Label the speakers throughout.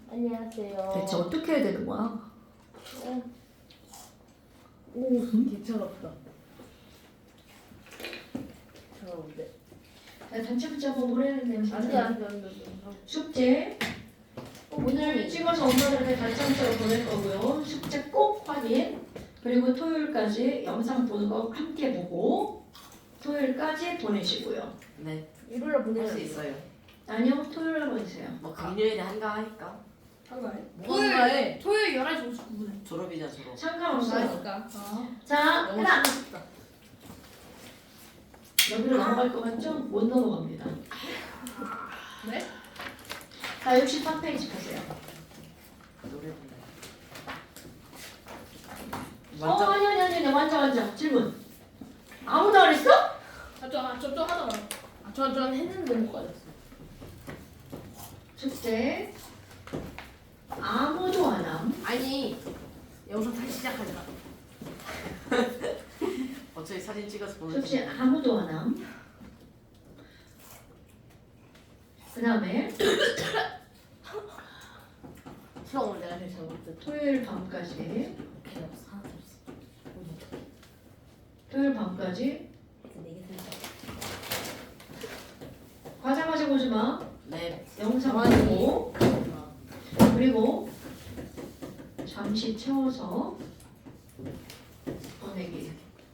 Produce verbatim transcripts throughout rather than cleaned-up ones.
Speaker 1: 안녕하세요.
Speaker 2: 대체 어떻게 해야 되는 거야?
Speaker 1: 어. 오, 괜찮았다. 잘하는데.
Speaker 3: 자, 단체 붙잡고 보내는 냄새.
Speaker 1: 안돼 안돼 안돼.
Speaker 3: 숙제. 오늘 찍어서 엄마들한테 단체 문자로 보낼 거고요. 숙제 꼭 확인. 그리고 토요일까지 영상 보는 거 함께 보고 토요일까지 보내시고요.
Speaker 4: 네,
Speaker 1: 일요일에
Speaker 4: 할 수
Speaker 1: 보내면
Speaker 4: 있어요.
Speaker 3: 아니요, 토요일에 보내세요.
Speaker 4: 뭐 금요일에 한가하니까
Speaker 1: 한가해?
Speaker 5: 토요일 토요일 열한 시 오십구 분에
Speaker 4: 졸업이자 졸업.
Speaker 3: 상관없어요.
Speaker 5: 나니까
Speaker 3: 자,
Speaker 1: 너무
Speaker 3: 하나.
Speaker 1: 심했다.
Speaker 3: 여기로 넘어갈 것 같죠? 못 넘어갑니다.
Speaker 5: 네?
Speaker 3: 자, 육십삼 페이지 보세요.
Speaker 4: 노래 부르네.
Speaker 3: 어,
Speaker 4: 완전
Speaker 3: 아니, 아니, 아니, 아니, 완전, 완전. 질문. 아무도 안 했어?
Speaker 5: 아저저저 하더라
Speaker 1: 아저전 했는데 못 가졌어.
Speaker 3: 숙제. 아무도 안 함.
Speaker 1: 아니 영상 다시 시작하자.
Speaker 4: 어차피 사진 찍어서
Speaker 3: 숙제
Speaker 4: 보내주세요.
Speaker 3: 아무도 안 함. 그 다음에
Speaker 1: 수영을 내가 제일 잘못했다.
Speaker 3: 토요일 밤까지.
Speaker 1: 걔가 없어 하나도 없어.
Speaker 3: 토요일 밤까지.
Speaker 1: 네개 생각.
Speaker 3: 과자 가져오지 마.
Speaker 4: 네,
Speaker 3: 영상
Speaker 1: 가만히.
Speaker 3: 보고. 그리고 잠시 채워서 보내기.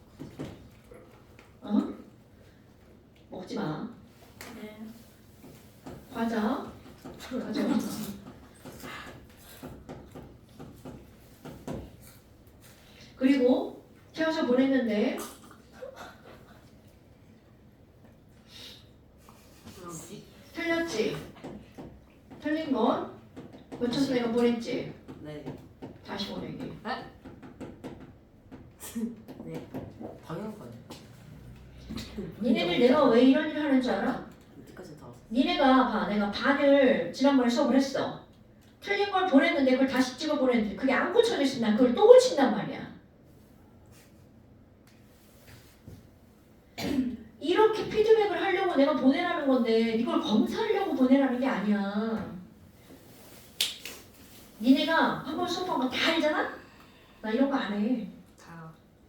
Speaker 3: 어? 먹지 마.
Speaker 5: 네.
Speaker 3: 과자 가져오지 마. 그리고 채워서 보냈는데
Speaker 4: 뭐지?
Speaker 3: 틀렸지? 틀린 건 고쳐서 내가 보냈지?
Speaker 4: 네,
Speaker 3: 다시 보내기.
Speaker 4: 당연한 거네.
Speaker 3: 니네들 내가 왜 이런 일을 하는 줄 알아?
Speaker 4: 이때까지 다 왔어.
Speaker 3: 니네가 봐, 내가 반을 지난번에 수업을 했어. 틀린 걸 보냈는데 그걸 다시 찍어 보냈는데 그게 안 고쳐져 있으면 난 그걸 또 고친단 말이야. 이렇게 피드백을 하려고 내가 보내라는 건데 이걸 검사하려고 보내라는 게 아니야. 니네가 한 번 수업한 거 다 알잖아? 나 이런 거 안 해.
Speaker 1: 다.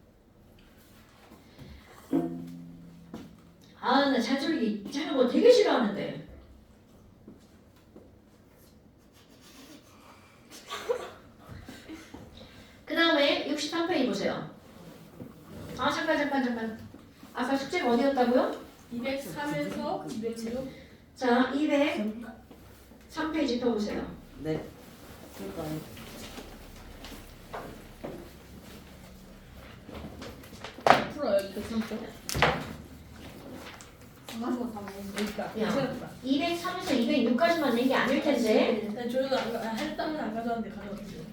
Speaker 3: 아, 나 잔소리 하는 거 되게 싫어하는데. 그 다음에 육십삼 페이지 보세요. 아, 잠깐, 잠깐, 잠깐. 아까 숙제가 어디였다고요?
Speaker 5: 이백삼에서 이백육
Speaker 3: 자, 이백삼 페이지 펴보세요.
Speaker 4: 네,
Speaker 1: 풀어요 이거 삼점.
Speaker 5: 가지고 다 먹는
Speaker 1: 여기 있다.
Speaker 3: 야.
Speaker 1: 찾았다.
Speaker 3: 이백삼에서 이백육까지만 낸 게 아닐 텐데.
Speaker 5: 난 저희도 안 가- 할 때는 안 가져왔는데 가져왔어요.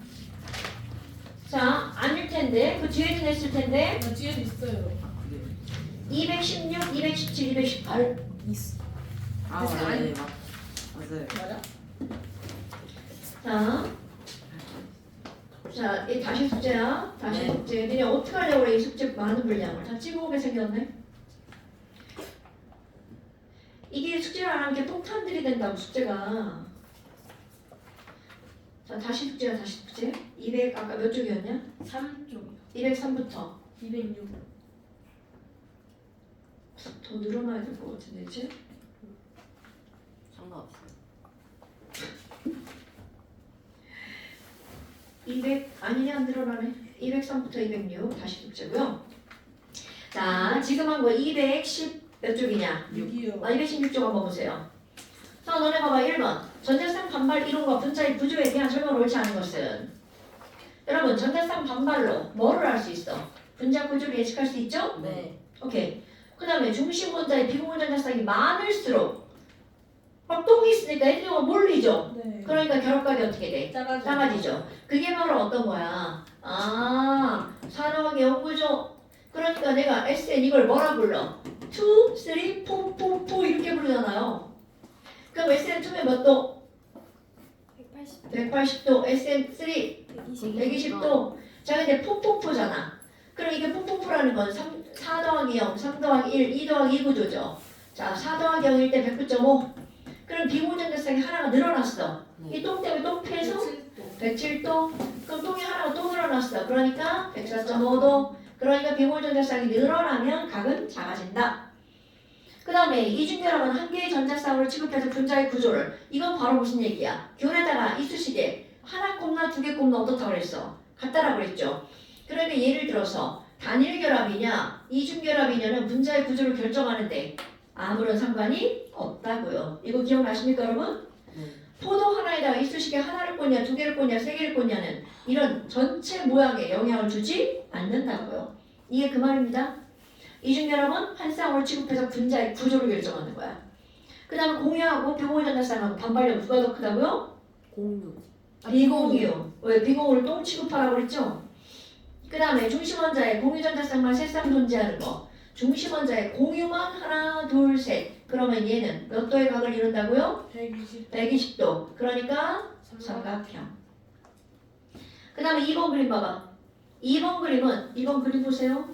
Speaker 3: 자, 아닐 텐데. 그 뒤에도 냈을 텐데.
Speaker 5: 나 뒤에도 있어요.
Speaker 4: 그게
Speaker 3: 이백십육, 이백십칠, 이백십팔.
Speaker 1: 있어.
Speaker 4: 아 맞네, 네, 맞 맞아요.
Speaker 1: 맞아?
Speaker 3: 자. 자, 이 다시 숙제야. 다시
Speaker 4: 네.
Speaker 3: 숙제. 니네 어떻게 하려고 그래, 이 숙제 많은 분량을. 다 찍어오게 생겼네. 이게 숙제를 안 하는 게 폭탄들이 된다고, 숙제가. 자, 다시 숙제야, 다시 숙제. 이백, 아까 몇 쪽이었냐?
Speaker 5: 삼 쪽이요.
Speaker 3: 이백삼부터.
Speaker 5: 이백육.
Speaker 3: 더 늘어나야 될 것 같은데, 이제?
Speaker 4: 상관없어요.
Speaker 3: 이백, 아니냐, 안 늘어나네. 이백삼부터 이백육, 다시 숙제고요. 자, 지금 한 거 이백십 몇 쪽이냐?
Speaker 5: 육이요.
Speaker 3: 아, 이백십육 쪽 한번 보세요. 자, 너네 봐봐. 일 번. 전자쌍 반발 이론과 분자의 구조에 대한 설명을 옳지 않은 것은? 여러분, 전자쌍 반발로 뭐를 할 수 있어? 분자 구조를 예측할 수 있죠?
Speaker 1: 네.
Speaker 3: 오케이. 그 다음에 중심 원자의 비공유 전자쌍이 많을수록 막 똥이 있으니까 에너지가 몰리죠?
Speaker 5: 네.
Speaker 3: 그러니까 결합각이 어떻게 돼?
Speaker 5: 작아져.
Speaker 3: 작아지죠. 그게 바로 어떤 거야? 아, 산화학의 연구죠. 그러니까 내가 에스엔 이걸 뭐라 불러? 이, 삼, 사, 사, 사 이렇게 부르잖아요. 그럼 에스엔 이면 몇 도?
Speaker 5: 백팔십.
Speaker 3: 백팔십 도. 에스엔 삼,
Speaker 5: 백이십.
Speaker 3: 백이십 도. 자, 근데 포포포잖아. 그럼 이게 포포포라는 건 삼, 사 더하기 영, 삼 더하기 일, 이 더하기 이 구조죠. 자, 사 더하기 영일 때 백구 점 오. 그럼 비공전자쌍이 하나가 늘어났어. 이 똥 때문에 똥 피해서 백칠 도. 그럼 똥이 하나가 또 늘어났어. 그러니까 백사 점 오 도. 그러니까 비공유 전자쌍이 늘어나면 각은 작아진다. 그 다음에 이중결합은 한 개의 전자쌍으로 취급해서 분자의 구조를. 이건 바로 무슨 얘기야? 균에다가 이쑤시개 하나 꼽나 두 개 꼽나 어떻다고 그랬어? 같다라고 그랬죠. 그러니까 예를 들어서 단일 결합이냐 이중 결합이냐는 분자의 구조를 결정하는데 아무런 상관이 없다고요. 이거 기억나십니까 여러분?
Speaker 4: 네.
Speaker 3: 포도 하나에다가 이쑤시개 하나를 꽂냐 두 개를 꽂냐 세 개를 꽂냐는 이런 전체 모양에 영향을 주지 않는다고요. 이게 그 말입니다. 이중 결합은 한 쌍으로 취급해서 분자의 구조를 결정하는 거야. 그 다음에 공유하고 비공유 전자쌍하고 반발력 누가 더 크다고요?
Speaker 4: 공유.
Speaker 3: 비공유. 왜 비공유를 똥 취급하라고 그랬죠? 그 다음에 중심원자에 공유전자쌍만 세 쌍 존재하는 거. 중심원자에 공유만 하나, 둘, 셋. 그러면 얘는 몇 도의 각을 이룬다고요?
Speaker 5: 백이십.
Speaker 3: 백이십 도. 그러니까 삼각형. 그 다음에 이 번 그림 봐봐. 이 번 그림은 이 번 그림 보세요.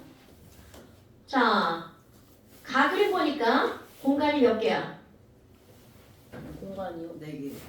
Speaker 3: 자, 가그림 보니까 공간이 몇 개야?
Speaker 1: 공간이요?
Speaker 4: 네 개.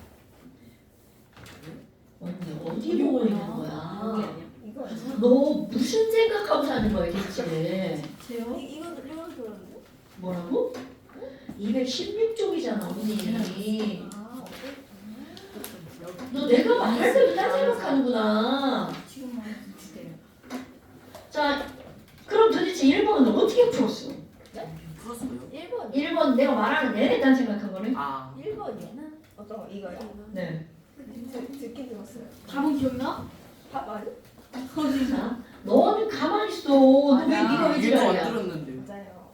Speaker 3: 언니 어디 보고 있는
Speaker 1: 여기
Speaker 3: 거야?
Speaker 1: 아니야? 이거 아니야?
Speaker 3: 너 무슨 생각하고 사는 거야 대체?
Speaker 5: 제요? 이 이거 이거 들었는데?
Speaker 3: 뭐라고? 이백십육 쪽이잖아 언니.
Speaker 5: 아 어때?
Speaker 3: 너 내가 말할 때도 딴 생각하는구나.
Speaker 5: 지금 말해주세요.
Speaker 3: 자, 그럼 도대체 일 번은 어떻게 풀었어?
Speaker 4: 풀었어요?
Speaker 5: 일 번.
Speaker 3: 일 번 내가 말하는 내내 딴 생각한 거네?
Speaker 4: 아.
Speaker 5: 일 번이는 어떤 거 이거요?
Speaker 3: 네.
Speaker 5: 듣- 듣긴 들었어요.
Speaker 1: 답은 기억나?
Speaker 5: 다 맞아?
Speaker 3: 자, 너는 가만히 있어. 너 왜
Speaker 5: 아니야.
Speaker 3: 네가 왜
Speaker 4: 일도 안
Speaker 3: 지랄이야?
Speaker 4: 들었는데.
Speaker 5: 맞아요.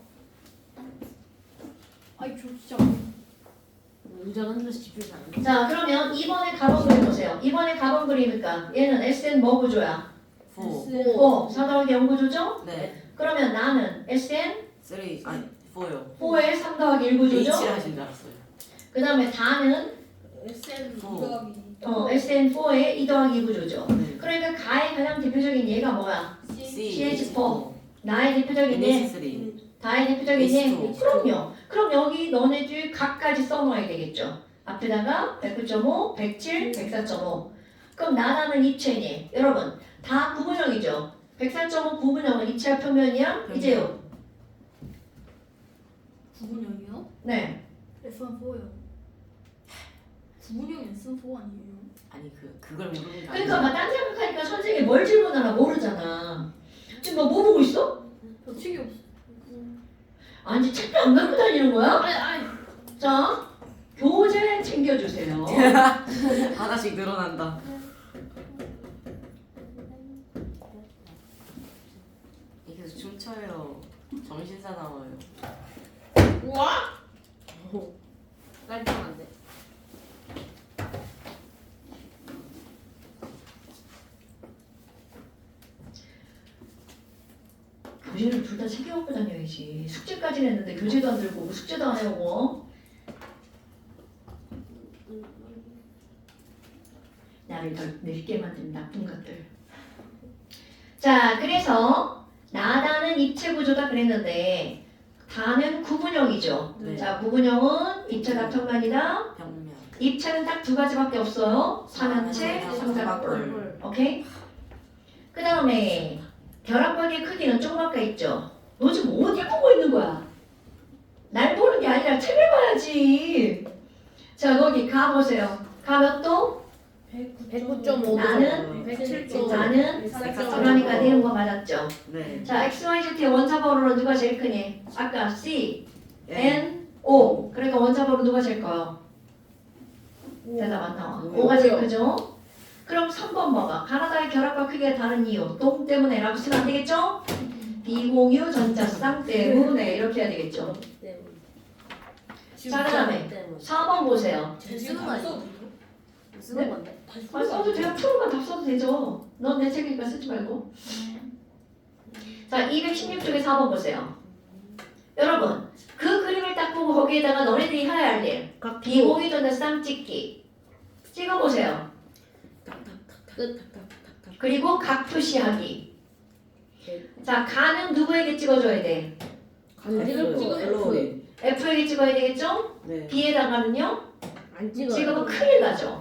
Speaker 5: 아이 저 진짜
Speaker 1: 운전 하면서 집중이 안 돼.
Speaker 3: 자, 그러면 이번에 가본 그림 보세요. 이번에 가본 그림이니까 얘는 에스엔 뭐 구조야?
Speaker 4: 포.
Speaker 3: 오, 사 더하기 영 구조죠?
Speaker 4: 네.
Speaker 3: 그러면 나는 에스엔
Speaker 4: 쓰리. 아니 포요.
Speaker 3: 사의 삼 더하기 일
Speaker 4: H
Speaker 3: 구조죠?
Speaker 4: 하신 줄 알았어요.
Speaker 3: 그 다음에 다는
Speaker 5: 에스엔
Speaker 4: 어.
Speaker 5: 더하기
Speaker 3: 어, 에스엔 사의 이 더하기 이 구조죠.
Speaker 4: 네.
Speaker 3: 그러니까 가의 가장 대표적인 예가 뭐야?
Speaker 5: C
Speaker 3: 씨에이치 사. 나의 대표적인 예,
Speaker 4: 에스 쓰리.
Speaker 3: 다의 대표적인 예.
Speaker 4: 에이치 투.
Speaker 3: 그럼요. 그럼 여기 너네들 각까지 써놓아야 되겠죠. 앞에다가 백구 점 오, 백칠, 백사 점 오. 그럼 나라는 입체니 여러분 다 구분형이죠. 백사 점 오 구분형은 입체와 평면이야. 이제요.
Speaker 5: 구분형이요?
Speaker 3: 네.
Speaker 5: 에스원 사요. 구분형 에스원 사 아니에요?
Speaker 4: 아니 그 그걸 모르는 게
Speaker 3: 그러니까
Speaker 4: 아니라
Speaker 3: 막딴 생각하니까 선생님이 뭘 질문하나 모르잖아. 지금 너 뭐 보고 있어?
Speaker 5: 저 책이 없어.
Speaker 3: 아니 책도 안 갖고 다니는 거야?
Speaker 5: 아니 아니.
Speaker 3: 자, 교재 챙겨주세요.
Speaker 4: 하나씩 늘어난다. 이게 계속 춤춰요. 정신 사나워요.
Speaker 5: 우와.
Speaker 1: 깔끔한데.
Speaker 3: 교재를 둘 다 챙겨갖고 다녀야지. 숙제까지는 했는데 교재도 안 들고 오고 숙제도 안 해오고. 나를 더 늙게 만든 나쁜 것들. 자, 그래서 나다는 입체 구조다 그랬는데 다는 구분형이죠.
Speaker 4: 네.
Speaker 3: 자, 구분형은 입체가 평면이다.
Speaker 4: 벽면.
Speaker 3: 입체는 딱 두 가지밖에 없어요. 삼연체, 삼각뿔. 오케이? 그 다음에 결합각의 크기는 조그맣게 있죠. 너 지금 어디 보고 있는 거야? 날 보는 게 아니라 책을 봐야지. 자, 거기 가 보세요. 가 몇 도?
Speaker 1: 백구 점 오 도.
Speaker 3: 나는
Speaker 1: 백칠 도.
Speaker 3: 나는
Speaker 1: 백사 점 오.
Speaker 3: 그러니까 내는 거 맞았죠.
Speaker 4: 네.
Speaker 3: 자, 엑스, 와이, 지의 원자번호로 누가 제일 크니? 아까 C,
Speaker 4: N.
Speaker 3: N, O. 그러니까 원자번호 누가 제일 커요? 대답 안 나와. 오가 제일 크죠? 그럼 삼 번 봐봐. 가나다의 결합과 크기가 다른 이유. 똥 때문에 라고 쓰면 안 되겠죠? 비공유 전자쌍 때문에 이렇게 해야 되겠죠? 자, 그 다음에 사 번 보세요.
Speaker 1: 쓰는 거 아니야? 쓰는
Speaker 3: 네?
Speaker 1: 건데.
Speaker 3: 아, 써도 돼요. 프로만 다 써도 되죠. 넌 내 책이니까 쓰지 말고. 자, 이백십육 쪽에 사 번 보세요. 여러분, 그 그림을 딱 보고 거기에다가 너네들이 해야 할 일. 비공유 전자쌍 찍기. 찍어보세요.
Speaker 1: 끝.
Speaker 3: 그리고 각 표시하기. 자, 가는 누구에게 찍어줘야 돼?
Speaker 1: 찍을 거.
Speaker 4: F.
Speaker 3: F에게 찍어야 되겠죠?
Speaker 4: 네.
Speaker 3: B에다가는요?
Speaker 1: 안 찍어.
Speaker 3: 찍으면 큰일 나죠.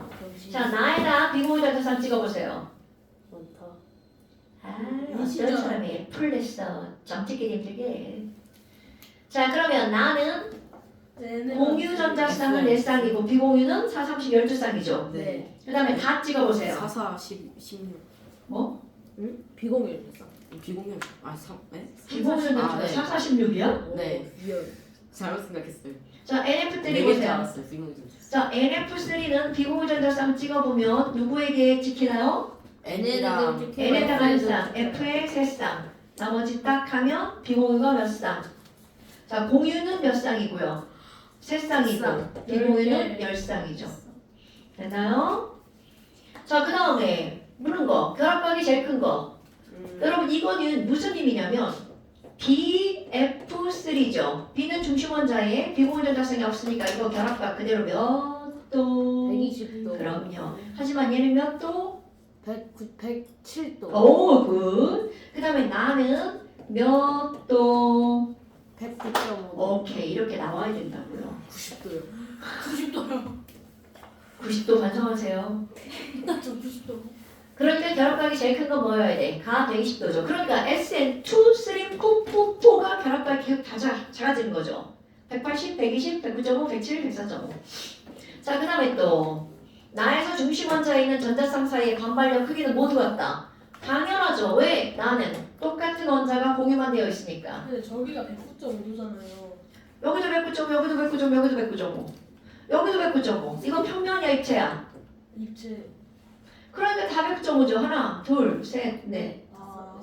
Speaker 3: 자, 나에다 비공유전자쌍 찍어보세요.
Speaker 1: 많다.
Speaker 3: 아,
Speaker 5: 진짜.
Speaker 3: 어떤 사람이 F를 냈어. 점 찍기 힘들게. 자, 그러면 나는 공유전자쌍은 네 쌍이고 비공유는 사, 삼십, 열두 쌍이죠.
Speaker 1: 네.
Speaker 3: 그 다음에 다 찍어보세요.
Speaker 4: 사사 십 십육.
Speaker 3: 뭐?
Speaker 1: 응? 비공유였어.
Speaker 4: 비공유. 아 삼. 네?
Speaker 3: 비공유전자
Speaker 4: 아, 네.
Speaker 3: 사, 사십육이야?
Speaker 4: 네.
Speaker 1: 리얼.
Speaker 4: 잘못 생각했어요.
Speaker 3: 자, 엔에프 쓰리
Speaker 4: 네개줄
Speaker 3: 보세요.
Speaker 4: 알았어요. 비공유.
Speaker 3: 자, 엔에프 쓰리는 비공유전자쌍 찍어보면 누구에게 찍히나요?
Speaker 4: N이랑
Speaker 3: N에다가 한 쌍, F에 세 쌍. 나머지 딱 하면 비공유가 몇 쌍? 자, 공유는 몇 쌍이고요? 세 쌍이고
Speaker 1: 쌍.
Speaker 3: 비공유는 열 쌍이죠. 됐나요? 자, 그 다음에 묻는 거, 결합각이 제일 큰 거.
Speaker 1: 음.
Speaker 3: 여러분 이거는 무슨 의미냐면 비 에프 쓰리죠. B는 중심 원자에 비공유전자성이 없으니까 이거 결합각 그대로 몇 도?
Speaker 1: 백이십 도.
Speaker 3: 그럼요. 하지만 얘는 몇 도?
Speaker 1: 백구, 백칠 도.
Speaker 3: 오, 굿. 그 다음에 나는 몇 도?
Speaker 1: 백구 점 오.
Speaker 3: 오케이, 이렇게 나와야 된다고요.
Speaker 1: 구십 도요.
Speaker 5: 구십 도요.
Speaker 3: 구십 도 반성하세요.
Speaker 5: 나저 구십 도.
Speaker 3: 그럴 때 결합각이 제일 큰 건 뭐여야 돼? 가 백이십 도죠. 그러니까 에스엔 투, 쓰리, 포, 포, 포가 결합각이 계속 다 작- 작아지는 거죠. 백팔십, 백이십, 백구 점 오, 백칠, 백사 점 오. 자, 그 다음에 또 나에서 중심 원자에 있는 전자쌍 사이의 반발력 크기는 모두 같다. 당연하죠. 왜? 나는 똑같은 원자가 공유만 되어 있으니까.
Speaker 2: 근데 저기가 백구 점 오잖아요.
Speaker 3: 여기도 백구 점 오, 여기도 백구 점 오, 여기도 백구 점 오. 여기도 백구 점 오. 이건 평면이야, 입체야?
Speaker 2: 입체.
Speaker 3: 그러니까 다 백구 점 오죠. 하나, 둘, 셋, 넷.
Speaker 2: 아,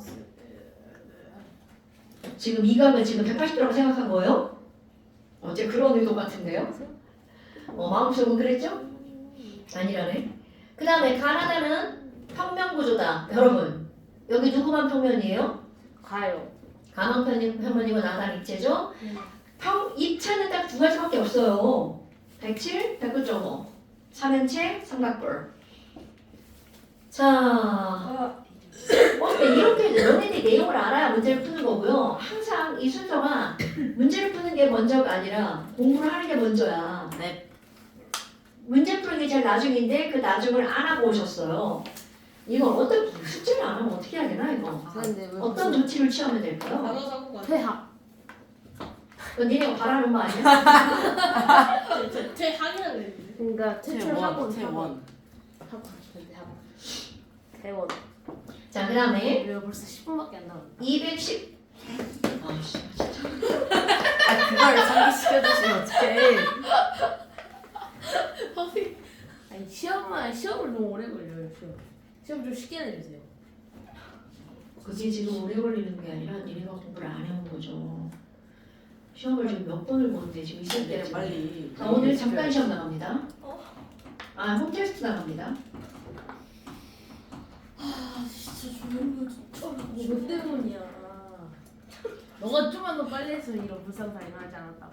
Speaker 3: 지금 이 각을 지금 백팔십 도라고 생각한 거예요? 어제 그런 의도 같은데요? 어, 마음속은 그랬죠? 아니라네. 그 다음에 가나다는 평면 구조다. 여러분, 여기 누구만 평면이에요?
Speaker 1: 가요.
Speaker 3: 가만 평면- 평면이고 나단 입체죠? 평, 입체는 딱 두 가지밖에 없어요. 백칠, 백구 점 오. 삼면체, 삼각뿔. 자,
Speaker 2: 아,
Speaker 3: 어때? 이렇게 너네들이 내용을 알아야 문제를 푸는 거고요. 항상 이 순서가 문제를 푸는 게 먼저가 아니라 공부를 하는 게 먼저야.
Speaker 4: 네.
Speaker 3: 문제 푸는 게 제일 나중인데 그 나중을 안 하고 오셨어요. 이거 어떤 숙제를 안 하면 어떻게 해야 되나 이거?
Speaker 1: 근데 왜
Speaker 3: 어떤
Speaker 1: 무슨
Speaker 3: 조치를 취하면 될까요?
Speaker 2: 단어 사고가
Speaker 1: 퇴학.
Speaker 3: 그건 니네가 바라는 거 아니야?
Speaker 2: 퇴학이라 그랬는데.
Speaker 1: 그러니까 퇴출하고
Speaker 4: 태원. 태원.
Speaker 1: 하고 싶은데 하고. 대원.
Speaker 3: 자, 그 다음에
Speaker 1: 우리가 벌써 십 분밖에 안 남았다.
Speaker 3: 이백십. 아씨, 진짜.
Speaker 4: 아 그걸 상기시켜주시면 어떡해.
Speaker 1: 아니 시험만 시험을 너무 오래 걸려요. 시험. 시험 좀 쉽게 내주세요.
Speaker 3: 그게 지금 오래 걸리는 게 아니라 니네가 공부를 안 해온 거죠. 시험을 지금 몇 번을 보는데 지금 이
Speaker 4: 네,
Speaker 3: 새끼가 지금.
Speaker 4: 빨리.
Speaker 3: 자, 오늘 잠깐 시험 나갑니다. 아, 홈테스트 나갑니다.
Speaker 2: 아 진짜 조용히 진짜.
Speaker 1: 뭐 때문이야? 너가 좀만 더 빨리 했으면 이런 불상사가 일어나지 않았다.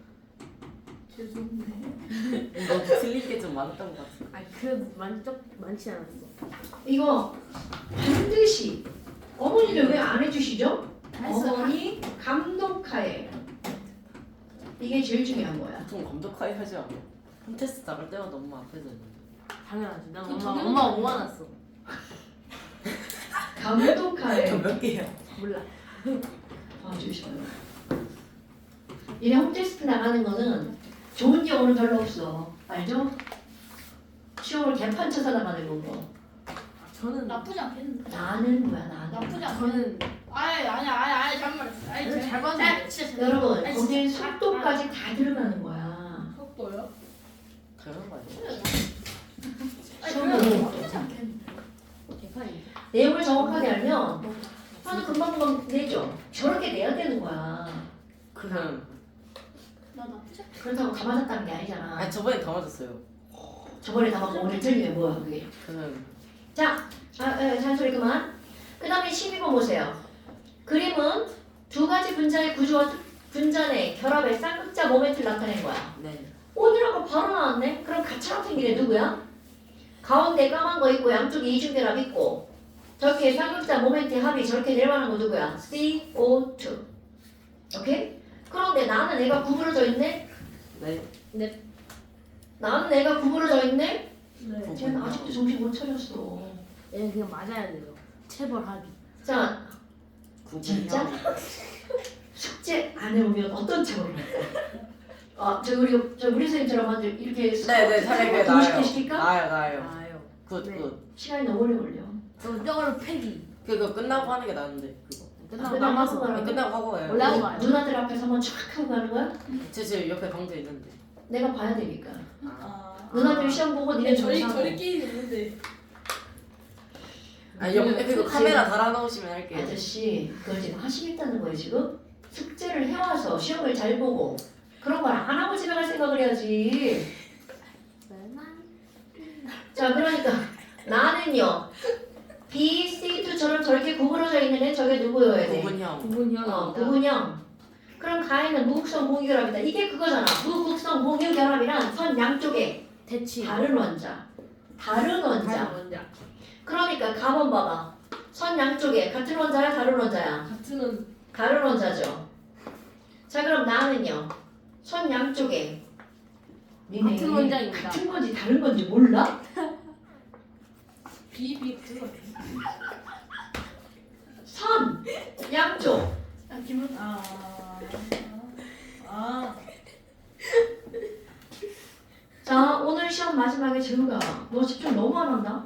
Speaker 2: 죄송해.
Speaker 4: 너 틀린 게 좀 많았던 것 같아.
Speaker 1: 아니 그래도 만족 많지 않았어.
Speaker 3: 이거 반드시 어머니들 왜 안 해주시죠?
Speaker 1: 했어.
Speaker 3: 어머니 감독하에 이게 제일 중요한 거야.
Speaker 4: 보통 감독하에 하지 않아. 홈테스트 나갈 때마다 엄마 앞에서 했는데.
Speaker 1: 당연하지. 난
Speaker 2: 그
Speaker 1: 엄마
Speaker 2: 당연하지.
Speaker 1: 엄마 오만났어.
Speaker 3: 감독하에
Speaker 4: 몇 개야?
Speaker 1: 몰라.
Speaker 3: 봐주셔요. 얘네 홈테스트 나가는 거는 좋은 경우는 별로 없어. 알죠? 시험을 개판 쳐서 나가는 거고.
Speaker 1: 아, 저는
Speaker 5: 나쁘지 않겠는데.
Speaker 3: 나는 뭐야 나는.
Speaker 5: 나쁘지 않겠는데.
Speaker 1: 저는
Speaker 5: 아니 아니 아니 아니 잠깐만. 아니
Speaker 1: 저는
Speaker 5: 잘
Speaker 1: 잘 봤는데.
Speaker 5: 진짜 잘-
Speaker 3: 여러분
Speaker 5: 아니,
Speaker 3: 거기에
Speaker 5: 진짜-
Speaker 3: 속도까지 다 들어가는 거야.
Speaker 2: 속도요?
Speaker 4: 당연한 거 아니야?
Speaker 5: 아니
Speaker 3: 시험은
Speaker 5: 그래도 나쁘지 않겠는데.
Speaker 1: 개판이.
Speaker 3: 내용을 정확하게 알면 하는 금방 금방 내죠. 저렇게 내야 되는 거야.
Speaker 4: 그냥.
Speaker 5: 나 나쁘지 않.
Speaker 3: 그렇다고 다 맞았다는 게 아니잖아.
Speaker 4: 아 저번에 다 맞았어요.
Speaker 3: 저번에 다 맞고 오늘 틀리면 뭐야 그게.
Speaker 4: 그냥.
Speaker 3: 자, 아, 에, 잔소리 그만. 그 다음에 십이 번 보세요. 그림은 두 가지 분자의 구조와 특- 분자의 결합의 쌍극자 모멘트를 나타낸 거야.
Speaker 4: 네.
Speaker 3: 오늘하고 바로 나왔네? 그럼 가차로 생긴 애 누구야? 가운데 까만 거 있고 양쪽에 이중결합 있고 저렇게 쌍극자 모멘트의 합이 저렇게 내려가는 거 누구야? 씨 오 투. 오케이? 그런데 나는 애가 구부러져 있네?
Speaker 4: 네.
Speaker 3: 나는 애가 구부러져 있네?
Speaker 2: 네.
Speaker 3: 쟤는 아직도 정신 못 차렸어.
Speaker 1: 얘 그냥 맞아야 돼요. 체벌하기.
Speaker 3: 자,
Speaker 4: 구분형.
Speaker 3: 진짜? 숙제 안 해오면 어떤 책을 할까? 아, 저 우리 저 우리 선생님처럼 먼저 이렇게
Speaker 4: 네네 사례가
Speaker 3: 동시에
Speaker 4: 나요.
Speaker 3: 시킬까?
Speaker 4: 나요 나요.
Speaker 1: 아요.
Speaker 4: 굿
Speaker 1: 네.
Speaker 4: 굿.
Speaker 3: 시간이 너무 오래 걸려.
Speaker 1: 저 뼈를 패기.
Speaker 4: 그거 끝나고 하는 게 나은데 그거.
Speaker 1: 끝나고
Speaker 3: 끝나고
Speaker 1: 남아서.
Speaker 3: 하고
Speaker 4: 아니, 끝나고 하고 가요.
Speaker 1: 원래 하고 가요.
Speaker 3: 누나들 앞에서 한번 촥 하고 가는 거야?
Speaker 4: 제 집 옆에 방도 있는데.
Speaker 3: 내가 봐야 되니까.
Speaker 2: 아.
Speaker 3: 누나들 시험 보고 니네
Speaker 2: 저희
Speaker 3: 정상.
Speaker 2: 저희끼리 있는데.
Speaker 4: 아니 옆에 그거 카메라 달아놓으시면 할게요.
Speaker 3: 아저씨 그걸 지금 하시겠다는 거예요 지금? 숙제를 해와서 시험을 잘 보고 그런 걸 안 하고 집에 갈 생각을 해야지. 자 그러니까 나는요 B, C도처럼 저렇게 구부러져 있는 애 저게 누구여야 돼?
Speaker 4: 구분형.
Speaker 1: 구분형입니다.
Speaker 3: 어, 구분형. 그럼 가에는 무극성 공유결합이다. 이게 그거잖아. 무극성 공유결합이란 선 양쪽에
Speaker 1: 대치.
Speaker 3: 다른 원자. 다른 원자.
Speaker 1: 다른 원자.
Speaker 3: 그러니까 가번 봐봐. 선 양쪽에 같은 원자야 다른 원자야?
Speaker 2: 같은
Speaker 3: 다른 원자죠. 자 그럼 나는요. 선 양쪽에 니네
Speaker 1: 같은 원자입니다.
Speaker 3: 같은 건지 다른 건지 몰라?
Speaker 2: 비비 같은 거.
Speaker 3: 선 양쪽
Speaker 2: 아 기분 아. 아.
Speaker 3: 자 오늘 시험 마지막에 재우가 너 집중 너무 안 한다.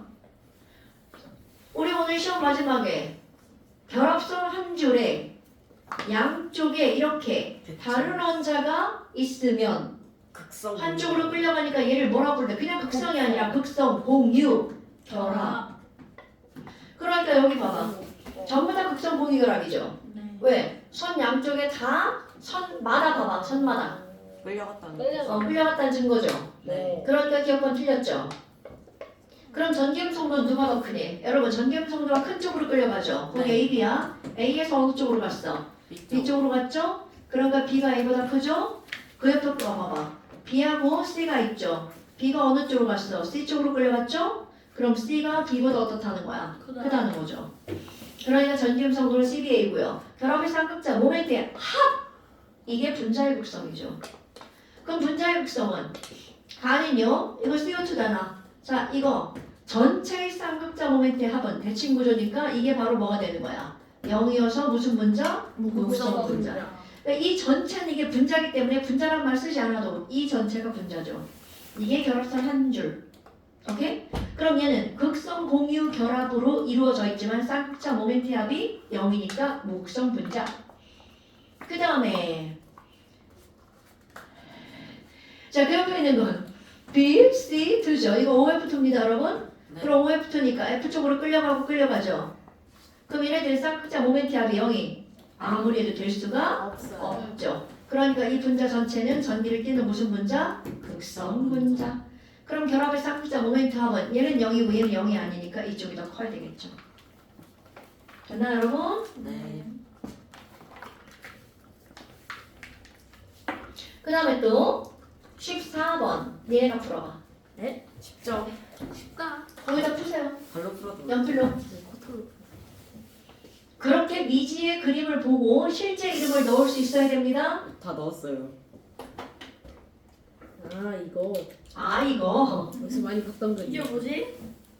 Speaker 3: 우리 오늘 시험 마지막에 결합선 한 줄에 양쪽에 이렇게 다른 원자가 있으면
Speaker 4: 극성.
Speaker 3: 한쪽으로 끌려가니까 얘를 뭐라 부르래? 그냥 극성이 아니라 극성 공유 결합.
Speaker 2: 아.
Speaker 3: 그러니까 여기 봐봐. 전부 다 극성 공유 결합이죠.
Speaker 2: 네.
Speaker 3: 왜? 선 양쪽에 다 선마다 봐봐. 선마다.
Speaker 4: 끌려갔다는 거.
Speaker 2: 끌려가.
Speaker 3: 어, 끌려갔다는 증거죠.
Speaker 4: 네.
Speaker 3: 그러니까 기억권 틀렸죠. 그럼 전기음성도 누가 더 크니? 여러분 전기음성도가 큰 쪽으로 끌려가죠. 거기
Speaker 4: 네.
Speaker 3: A, B야. A에서 어느 쪽으로 갔어? B 쪽으로 갔죠? 그러니까 B가 A보다 크죠? 그 옆에 거 봐봐. B하고 C가 있죠. B가 어느 쪽으로 갔어? C 쪽으로 끌려갔죠? 그럼 C가 B보다 어떻다는 거야?
Speaker 2: 크다.
Speaker 3: 크다는 거죠. 그러니까 전기음성도는 씨 비 에이고요. 결합의 쌍극자 모멘트의 합! 이게 분자의 극성이죠. 그럼 분자의 극성은 가는요. 이거 씨 오 투잖아. 자 이거 전체의 쌍극자 모멘트의 합은 대칭 구조니까 이게 바로 뭐가 되는 거야? 영이어서 무슨 분자? 무극성 분자. 그러니까 이 전체는 이게 분자기 때문에 분자란 말 쓰지 않아도 이 전체가 분자죠. 이게 결합선 한 줄. 오케이? 그럼 얘는 극성 공유 결합으로 이루어져 있지만 쌍극자 모멘트 합이 영이니까 무극성 분자. 그 다음에 자 그 옆에 있는 건 B, C, 이죠. 이거 오 에프 투입니다 여러분.
Speaker 4: 네.
Speaker 3: 그럼 오 에프 투니까 F 쪽으로 끌려가고 끌려가죠. 그럼 얘네들 쌍극자 모멘트 합이 영이 아무리 해도 될 수가
Speaker 1: 없어요.
Speaker 3: 없죠. 그러니까 이 분자 전체는 전기를 띠는 무슨 분자? 극성 분자. 그럼 결합의 쌍극자 모멘트 합은 얘는 영이고 얘는 영이 아니니까 이쪽이 더 커야 되겠죠. 됐나 여러분?
Speaker 4: 네.
Speaker 3: 그 다음에 또 십사 번 얘가 풀어봐.
Speaker 4: 쉽죠?
Speaker 1: 쉽다.
Speaker 3: 거기다 푸세요.
Speaker 4: 발로 풀어도.
Speaker 3: 연필로.
Speaker 1: 코털로.
Speaker 3: 그렇게 미지의 그림을 보고 실제 이름을 넣을 수 있어야 됩니다.
Speaker 4: 다 넣었어요.
Speaker 1: 아 이거
Speaker 3: 아 이거
Speaker 1: 여기서 많이 봤던 거.
Speaker 2: 이게 뭐지?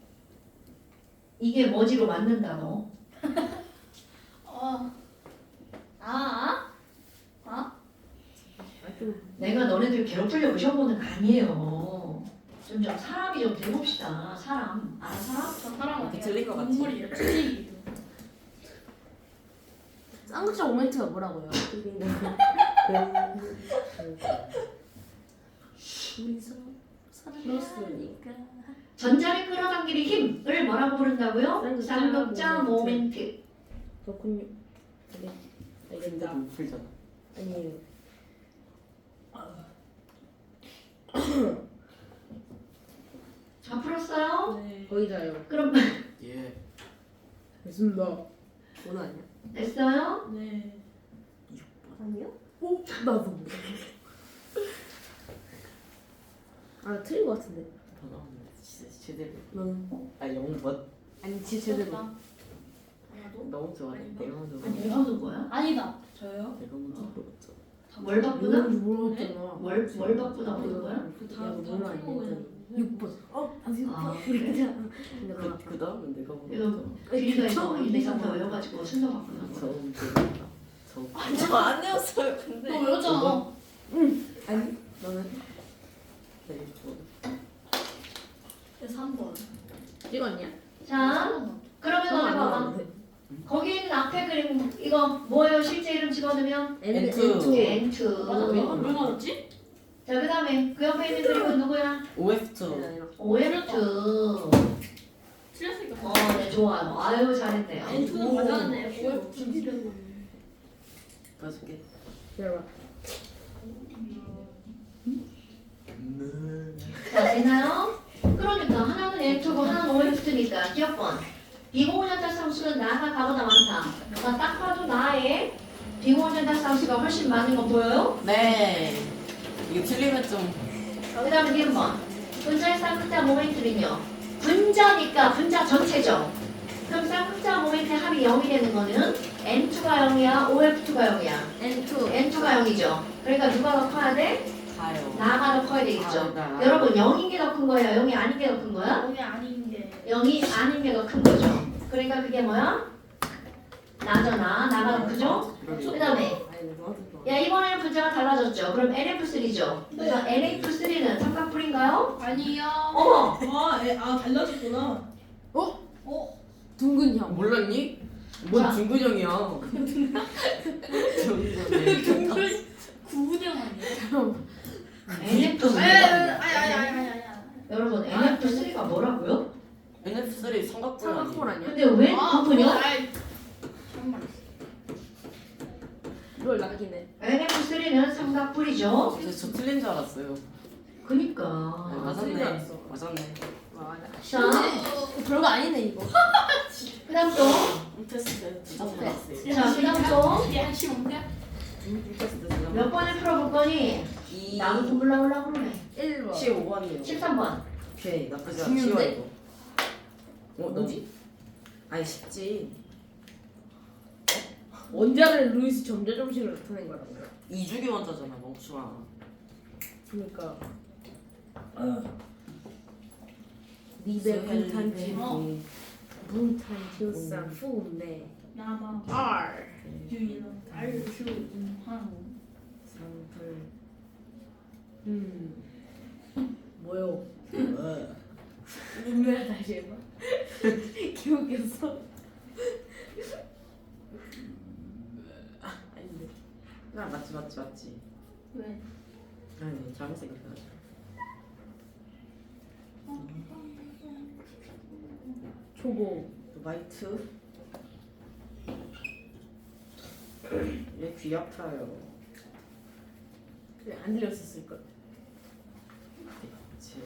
Speaker 3: 이게 뭐지로 맞는다 너.
Speaker 2: 어. 아. 아?
Speaker 3: 내가 너네들 괴롭히려고 시험 보는 거 아니에요. 좀, 좀 사람이 좀 돼봅시다. 사람. 아 사람?
Speaker 2: 저 사람
Speaker 4: 이렇게
Speaker 2: 아니야.
Speaker 4: 틀린 것 같지?
Speaker 2: 눈물이에요. 틀리기.
Speaker 1: 쌍극자 모멘트가 뭐라고요? 우리서 사랑했으니까.
Speaker 3: 전자를 끌어당기는 힘을 뭐라고 부른다고요?
Speaker 1: 쌍극자
Speaker 3: 쌍극자
Speaker 1: 모멘트.
Speaker 3: 모멘트.
Speaker 1: 그렇군요. 네.
Speaker 4: 근데
Speaker 1: 알겠다.
Speaker 4: 못 풀잖아.
Speaker 1: 아니에요.
Speaker 3: 다 풀었어요?
Speaker 2: 네.
Speaker 1: 거기다요.
Speaker 3: 그럼
Speaker 4: 예.
Speaker 1: 됐습니다. 오늘 아니야?
Speaker 3: 됐어요?
Speaker 2: 네.
Speaker 1: 아니요? 오 나도. 아 틀린 거 같은데.
Speaker 4: 더 나왔는데 진짜 제대로.
Speaker 1: 너는?
Speaker 4: 아 영 번.
Speaker 1: 아니 진짜 제대로.
Speaker 2: 하나도?
Speaker 4: 너무 좋아해. 내가 먼저.
Speaker 3: 아니 내가 하는 거야?
Speaker 2: 아니다. 저요?
Speaker 4: 내가 먼저 물어봤죠.
Speaker 3: 뭘 바꾸나?
Speaker 1: 모르겠잖아.
Speaker 3: 뭘, 뭘 바꾸나 보는 거야?
Speaker 2: 다- 다
Speaker 1: 몰라
Speaker 2: 풀고
Speaker 1: 이거. 육 번. 어? 아, 육
Speaker 3: 아,
Speaker 1: 번. 이렇게 하잖아. 근데
Speaker 4: 그,
Speaker 1: 너가
Speaker 4: 그 다음에 내가
Speaker 3: 이거
Speaker 4: 먹었죠.
Speaker 3: 비리가 이거
Speaker 1: 처음
Speaker 3: 일, 이, 삼, 사
Speaker 1: 이상한
Speaker 3: 외워가지고 순서 바꾸는 거야.
Speaker 4: 처음 들었다. 저
Speaker 1: 저안 외웠어요. 근데.
Speaker 5: 너 외웠잖아.
Speaker 1: 아니 너는
Speaker 4: 되게 좋아.
Speaker 5: 삼 번.
Speaker 1: 찍었냐?
Speaker 3: 자, 그러면 너네 봐봐. 거기 있는 앞에 그림 이거 뭐예요? 실제 이름 집어넣으면
Speaker 4: 엔 투.
Speaker 3: 엔 투.
Speaker 5: 맞아. 왜, 왜 맞았지?
Speaker 3: 자, 그 다음에 그 옆에 있는 그림은 누구야?
Speaker 4: 오 에프 투.
Speaker 3: 오 에프 투.
Speaker 5: 틀렸으니까.
Speaker 3: 어, 네, 좋아요. 아유, 잘했네요.
Speaker 5: 엔투는 맞았는데 오에프 틀렸네.
Speaker 4: 봐줄게.
Speaker 1: 기다려봐.
Speaker 3: 자, 되나요? 그러니까 하나는 엔 투고 하나는 오 에프 투니까 기억번. 비공유전자 상수는 나가 가보다 많다. 나 딱 봐도 나의 비공유전자 상수가 훨씬 많은 거 보여요?
Speaker 4: 네. 이거 틀리면 좀.
Speaker 3: 그 다음에 니은번. 분자의 쌍극자 모멘트는요. 분자니까 분자 전체죠. 그럼 쌍극자 모멘트의 합이 영이 되는 거는 엔 투가 영이야, 오 에프 투가 영이야.
Speaker 1: 엔 투.
Speaker 3: 엔 투가 영이죠. 그러니까 누가 더 커야 돼?
Speaker 4: 가요.
Speaker 3: 나가 더 커야 되겠죠.
Speaker 4: 아, 나.
Speaker 3: 여러분 영인 게 더 큰 거예요? 영이 아닌 게 더 큰 거야?
Speaker 5: 몸이 아닌 게.
Speaker 3: 영이 아닌 게 더 큰 거죠. 그러니까 그게 뭐야? 나잖아. 나가 더 크죠? 그 다음에
Speaker 1: 아니 너한테 또.
Speaker 3: 야 이번에는 분자가 달라졌죠. 그럼 엔 에프 쓰리죠. 그래서 엔 에프 쓰리는 삼각뿔인가요?
Speaker 5: 아니요.
Speaker 3: 어머!
Speaker 2: 아, 애, 아 달라졌구나.
Speaker 5: 어?
Speaker 1: 둥근 형.
Speaker 4: 몰랐니?
Speaker 3: 자.
Speaker 4: 뭔 중근형이야. 중근형.
Speaker 5: 구분형 아니에요?
Speaker 3: 엔 에프
Speaker 5: 아니 아니 아니 아니 아니 아니.
Speaker 3: 여러분 엔 에프 쓰리가 뭐라고요?
Speaker 4: 엔 에프 쓰리 삼각뿔
Speaker 1: 삼각뿔
Speaker 4: 아니야?
Speaker 1: 아니야?
Speaker 3: 근데 왜
Speaker 5: 아,
Speaker 3: 구분이요?
Speaker 5: 그건 아이. 정말.
Speaker 1: 이걸 낙이네.
Speaker 3: 엔 에프 쓰리는 삼각뿔이죠.
Speaker 4: 저, 저 틀린 줄 알았어요.
Speaker 3: 그니까.
Speaker 4: 네,
Speaker 1: 틀린 줄
Speaker 4: 맞았네.
Speaker 1: 알았어.
Speaker 4: 맞았네.
Speaker 1: 와, 나.
Speaker 3: 자,
Speaker 1: 어, 별거 아니네 이거.
Speaker 3: 그 다음 또.
Speaker 4: 테스트 두점
Speaker 1: 어때?
Speaker 4: 나왔어요.
Speaker 3: 자, 그 다음 또.
Speaker 5: 이게 한시 뭔데?
Speaker 4: 테스트 두 점.
Speaker 3: 몇 번을 풀어볼 거니?
Speaker 4: 이.
Speaker 3: 나도 공부하려고 그러네.
Speaker 1: 일 번.
Speaker 4: 십오 번이요.
Speaker 3: 십삼 번.
Speaker 4: 오케이 나쁘지 않아.
Speaker 1: 중요한데?
Speaker 4: 쉬워 이거. 어 뭐지? 아니 쉽지.
Speaker 1: 원자를 루이스 점자 정식으로 나타낸 거라고요.
Speaker 4: 이주기 원자잖아 멍충아.
Speaker 1: 그러니까. 리베 분탄지 분탄지우산 후네
Speaker 5: 나마.
Speaker 1: R
Speaker 5: 유일한 달수 인환.
Speaker 1: 상불 음 뭐요? 눈물 다시 해봐. 기억했어.
Speaker 4: 아닌데. 아 맞지 맞지 맞지.
Speaker 5: 왜?
Speaker 4: 아니 잘못 생각해가지고.
Speaker 1: 초고
Speaker 4: 화이트. 얘귀 아파요.
Speaker 1: 그래 안 들렸었을 걸.
Speaker 4: 그치.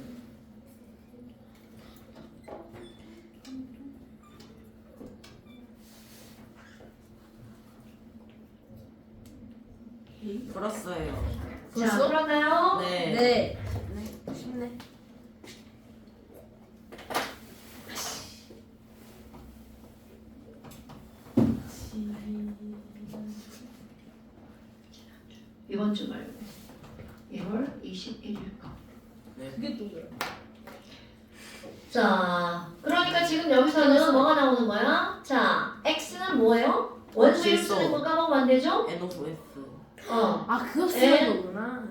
Speaker 4: 풀었어요.
Speaker 3: 자,
Speaker 1: 벌써?
Speaker 3: 그런가요?
Speaker 4: 네.
Speaker 1: 네. 네. 쉽네.
Speaker 3: 이번 주 말고 일월 이십일 일 거.
Speaker 4: 네.
Speaker 1: 그게 또 그래.
Speaker 3: 자, 그러니까 지금 여기서는 뭐가 나오는 거야? 자, x는 뭐예요? 원소 이름
Speaker 4: 질소.
Speaker 3: 쓰는 거 까먹으면 안 되죠?
Speaker 4: 엔 오브 에프.
Speaker 3: 어.
Speaker 1: 아 그거
Speaker 3: 에?
Speaker 1: 쓰는 거구나.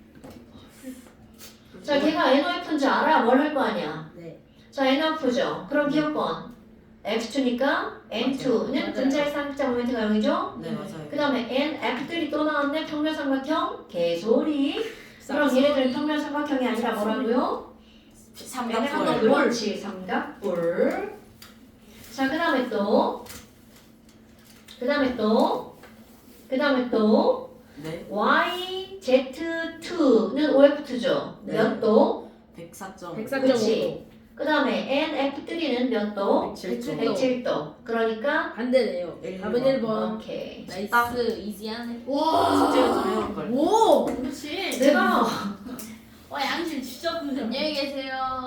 Speaker 3: 자, 걔가 엔 오 에프인지 알아야 뭘 할 거 아니야?
Speaker 1: 네.
Speaker 3: 자, 엔 오 에프죠. 그럼 기억번 엑스 투니까 엔 투는
Speaker 1: 맞아요.
Speaker 3: 분자의 쌍극자 모멘트가 영이죠?
Speaker 4: 네 맞아요.
Speaker 3: 그 다음에 엔 에프들이 또 나왔네. 평면삼각형 개소리. 그럼 얘네들은 평면삼각형이 아니라 뭐라고요? 얘네 한번
Speaker 4: 삼각뿔.
Speaker 3: 그렇지 삼각뿔. 자, 그 다음에 또, 그 다음에 또, 그 다음에 또
Speaker 4: 네.
Speaker 3: 와이 제트 투는 오 에프 투죠.
Speaker 4: 네.
Speaker 3: 몇 도?
Speaker 4: 백사 점.
Speaker 1: 백사 점
Speaker 3: 그치. 그 다음에 엔 에프 쓰리는 몇 도?
Speaker 4: 백칠 점.
Speaker 3: 백칠 도. 그러니까
Speaker 1: 반대네요.
Speaker 4: 일
Speaker 1: 답은
Speaker 4: 번.
Speaker 1: 일 번.
Speaker 3: 오케이.
Speaker 1: 나이스 이지하네.
Speaker 5: 와.
Speaker 4: 숙제를 좀 해올 걸.
Speaker 1: 오.
Speaker 5: 그렇지.
Speaker 3: 내가
Speaker 5: 와 양심 진짜 그래.
Speaker 1: 안녕히 계세요.